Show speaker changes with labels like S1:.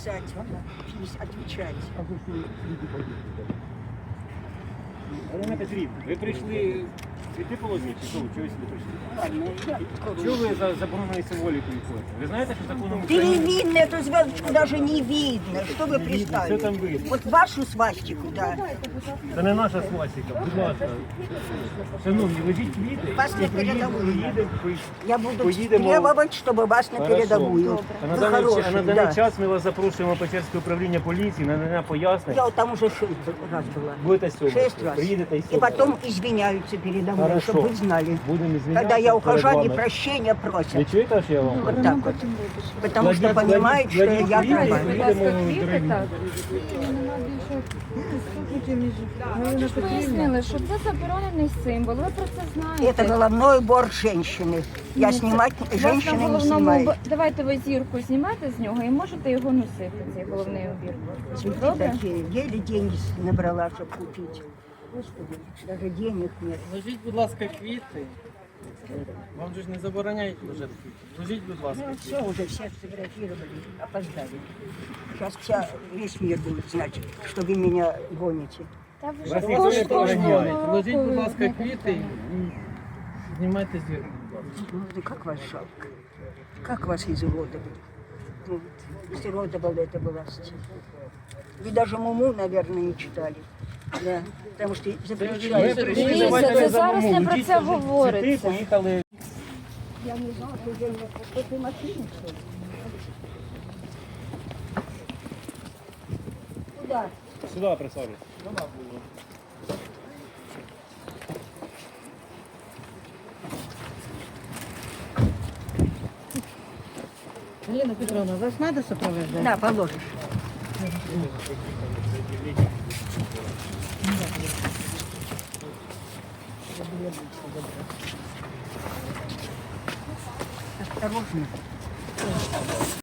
S1: писать, отвечать.
S2: Олена Петрівна, ви прийшли цвіти положити, чи що? Чого ви сюди прийшли? Чого ви за забороненою символікою ходите? Ви знаєте, що законом України...
S1: Перевидно, эту звездочку даже не видно. Что вы пристали?
S2: Все там видно.
S1: Вот вашу свастику, да.
S2: Це не наша свастика, будь ласка. Шановні, везіть квіти.
S1: Вас на передовую. Я буду
S2: Поїдемо.
S1: требовать, чтобы вас на передовую.
S2: А
S1: Вы
S2: на
S1: хороший,
S2: даний
S1: да.
S2: час ми вас запрошуємо в Печерське управління поліції на надання пояснень.
S1: Я вот там уже 6 раз была.
S2: Будете сьогодні.
S1: 6 раз.
S2: Приїдете і
S1: И
S2: сьогодні.
S1: потом извиняются передо мной,
S2: Хорошо.
S1: чтобы вы знали.
S2: Будемо звільнятися.
S1: Когда я ухожу,
S2: перед
S1: они
S2: вами.
S1: прощения
S2: Ви
S1: просят.
S2: чуєте, що я вам кажу?
S1: Вот так вот. Потому что
S2: Кладіть-
S1: понимают, что
S2: кладіть
S1: я
S2: квіти,
S1: права.
S2: поїдемо дорогі.
S3: Пояснили, що це заборонений символ. Ви про це знаєте.
S1: Это головной убор женщины. Я снимать
S3: У вас на
S1: женщины не
S3: головному
S1: снимаю.
S3: давайте ви зірку знімете з нього і можете його носити, цей головний убір.
S1: Цветы
S3: Добре?
S1: такие. Еле деньги набрала, чтобы купить. Господи, даже денег нет.
S4: Ложіть, будь ласка, квіти. Вам же ж не забороняють лежати квіти. Ложіть, будь ласка,
S1: Ну,
S4: квіти.
S1: все, уже все сфотографировали, опоздали. Сейчас весь мир будет знать, что вы меня гоните.
S3: Та ви
S2: Вас
S3: ж
S2: ніхто не
S3: кожного
S2: забороняє.
S3: року
S4: Ложіть, будь ласка,
S3: знаєте.
S4: квіти і знімайте зірку. будь ласка.
S1: Ну, как вас жалко? Как вас изуродовали? Ну, изуродовала эта власть. Вы даже Муму, наверное, не читали. Да, потому что
S2: Ми
S1: запрещают.
S2: прийшли,
S3: Дивіться,
S2: давайте
S3: це
S2: не
S3: зараз не
S2: забудемо.
S3: про
S2: Йдіть,
S3: це
S2: ложіть цвіти,
S3: говориться.
S2: поїхали.
S1: Я не знала, что я в этой машине, что ли? Куда?
S2: Сюди присаджуйтесь.
S5: Елена Петровна, вас надо сопровождать?
S1: Да, положишь. Осторожно.